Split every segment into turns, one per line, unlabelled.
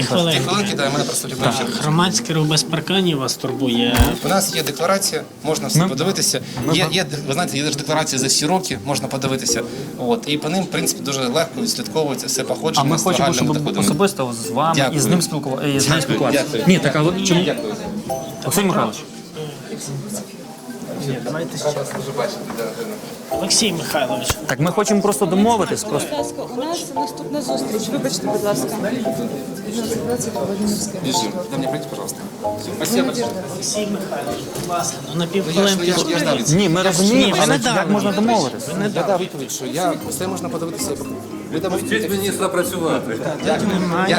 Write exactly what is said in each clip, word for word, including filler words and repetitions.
хвилинки.
Дві хвилинки, да, і мене просто
Так,
любить.
громадський рух без парканів вас турбує.
У нас є декларація, можна все подивитися. Є, є, ви знаєте, є ж декларація за всі роки, можна подивитися. От, і по ним, в принципі, дуже легко відслідковується все
А
походження
ми
з
хочемо,
загальними
щоб
доходами.
особисто з вами
Дякую.
і з ним спілкуватися. І з ним спілкуватися.
Дякую.
Ні, так, але чому?
Дякую.
Олексій Михайлович.
Ні, давайте ще. Олексій Михайлович.
Так ми хочемо просто домовитись. Просто.
Будь ласка, у нас наступна зустріч. Вибачте, будь ласка.
Бежим. Дай мне пройти, пожалуйста. Спасибо.
Олексій Михайлович, будь ласка, ну на
Я ж,
півхвилинки.
я ж, я ж дав відповідь.
Ні, ми
Ні,
розуміємо,
ви
але
не дали
як можна
відповідь.
домовитись?
Ви не
Я
дали.
дав відповідь, що я все можна подивитися. Ви там
Вчіть мені сюди працювати.
Немає.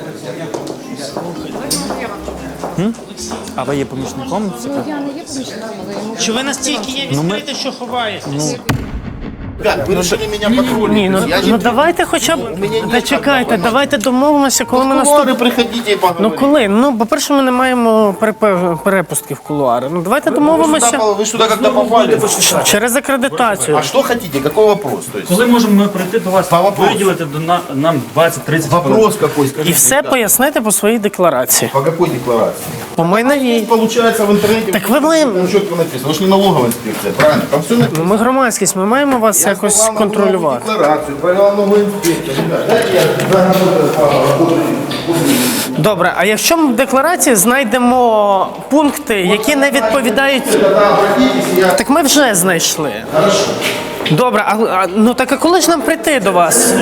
А ви є помічником?
Ну, я не є помічником, але йому...
Чи ви настільки є відкриті, що ховаєтесь?
Ребят, вы решили меня патрулить.
Ні, ну,
Я
ну
не...
давайте хоча б.
мене ні
Та чекайте,
такого.
давайте домовимося, коли ми
В
наступ...
кулуары приходите и
Ну
поговорите.
коли? Ну, по-перше, ми не маємо перепе- перепустки в кулуари. Ну давайте
Вы
домовимося
сюда, вы сюда когда попали?
через акредитацію.
А что хотите? Какой вопрос? То есть,
Коли можемо ми прийти до вас,
По вопросу.
виділити до на- нам двадцять-тридцять хвилин?
вопрос какой? Скажите,
І все
ребят.
пояснити по своїй декларації.
По какой декларации?
По майновій.
Получается в интернете...
Так вы моим-
Ну, четко написано. Вы же не налоговая инспекция, правильно? Там все написано.
Ну, ми громадськість, ми маємо вас якось
сдавал
контролювати.
налоговую декларацию, провела новую инспекцию. Ребят, дайте я заработаю по
Добре, а якщо ми в декларації знайдемо пункти, які не відповідають.
Тогда обратитесь, я...
Так ми вже знайшли.
Хорошо.
Добре, а, а ну так а коли ж нам прийти до вас?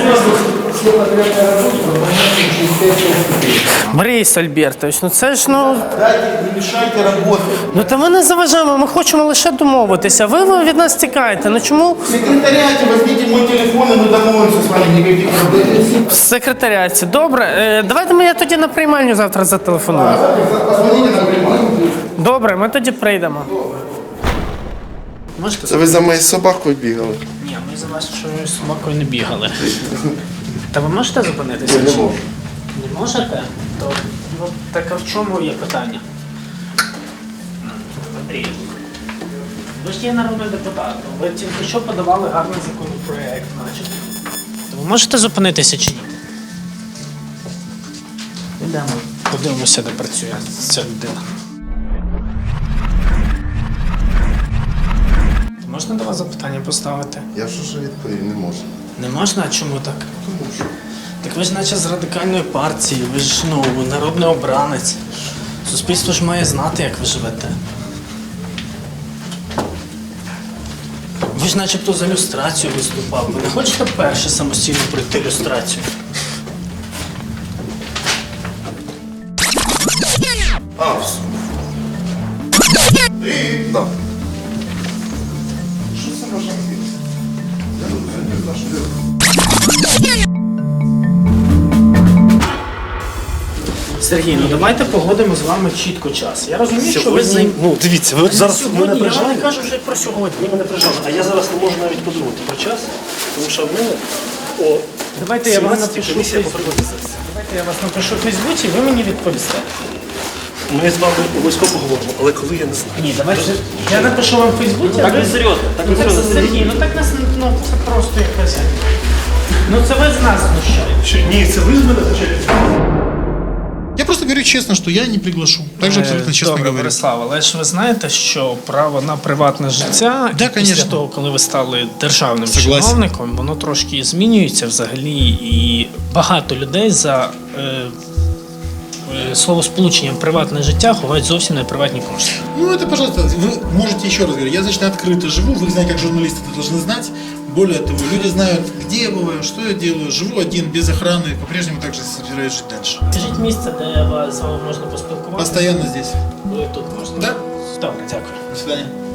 Борис Альбертович, ну це ж ну.
Дайте, не мешайте работать.
Ну та ми не заважаємо, ми хочемо лише домовитися. Ви, ви від нас тікаєте. Ну чому
В секретариате возьмите мой телефон, и мы домовимся с вами, никаких проблем.
в секретаріаті? Добре, е, давайте ми я тоді на приймальню завтра зателефоную.
Позвоните на прямой.
Добре, ми тоді прийдемо. Можете?
Це ви за моєю собакою бігали?
Ні, ми за вашою собакою не бігали. Та ви можете зупинитися? Я не можу. Не можете? То ну, так а в чому є питання? Андрій, ви ж є народний депутат. Ви тільки що подавали гарний законопроект, начебто. То ви можете зупинитися чи ні? Йдемо. Подивимося, де працює ця людина. Можна до вас запитання поставити?
Я ж уже відповів, не можу.
Не можна? А чому так? Тому що. Так ви ж наче з радикальної партії, ви ж ну, народний обранець. Суспільство ж має знати, як ви живете. Ви ж начебто за люстрацію виступав. Ви не хочете перше самостійно пройти люстрацію?
А, все.
Да.
Сергій, ну давайте погодимо з вами чітко час. Я розумію, що ви з ним.
Ну, дивіться, ви зараз мене
Сьогодні, я
прижали.
не кажу вже про сьогодні.
Ви мене прижали, а я зараз не можу навіть подумати про час, тому що в мене о
Давайте я вам
сімнадцятій
напишу.
комісія
в
по
Фейсбуці.
приватизації.
Давайте я вас напишу в Фейсбуці, ви мені відповісте.
Ми з вами обов'язково поговоримо, але коли я не знаю.
Ні, давайте. Я напишу вам в Фейсбуці, а ви...
серйозно, так
Ну, так, Сергій, ну так нас ну, це просто якась. Ну це ви з нас знущаєте.
Що, ні, це ви з мене почали.
Я просто говорю честно, что я не приглашу. Также абсолютно честно
Добре,
говорю.
Борислав, але ж ви знаєте, що право на приватне життя
Да,
після
конечно.
того, коли ви стали державним
Согласен.
чиновником, воно трошки змінюється взагалі, і багато людей за е, е, словосполученням приватне життя ховають зовсім не приватні кошти.
Ну, это, пожалуйста, вы можете еще раз говорить. Я, значит, открыто живу, вы знаете, как журналисты это должны знать. Более того, люди знают, где я бываю, что я делаю. Живу один, без охраны, по-прежнему также собираюсь жить дальше.
Скажіть місце, де вас- з вами можна поспілкуватися?
Постоянно здесь.
Ви тут можна.
Да?
Добре, дякую.
До свидания.